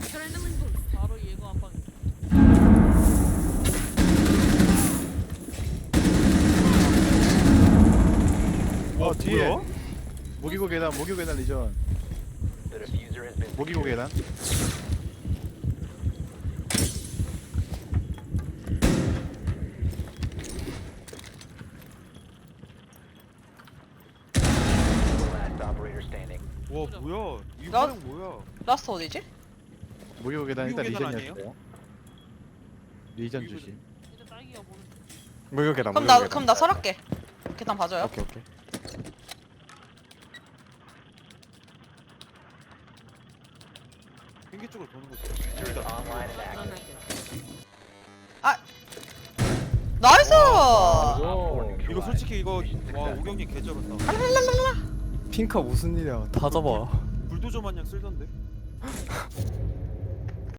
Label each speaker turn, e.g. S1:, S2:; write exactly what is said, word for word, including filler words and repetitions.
S1: 바로 예고 한 방.
S2: 어 뒤에
S3: 뭐야?
S2: 모기고 계단 모기고 계단 리전 모기고 계단
S3: 와 뭐야? 이
S4: 나-
S3: 화력 뭐야?
S4: 라스트 어디지?
S2: 모기고 계단 일단
S3: 모기고 계단
S2: 리전이었어요. 리전
S3: 모기고
S2: 주심.
S1: 이제 딸기가 보는.
S5: 무효 계단.
S4: 그럼
S5: 무효
S4: 나
S5: 계단.
S4: 그럼 나 설할게. 계단 봐줘요.
S5: 오케이 오케이.
S3: 핑계 쪽으로 도는 거지.
S4: 나이스!
S3: 이거 솔직히 이거 와 오경님 개쩔었다.
S5: 핑카 무슨 일이야? 다 잡아.
S3: 불도저 마냥 쓸던데.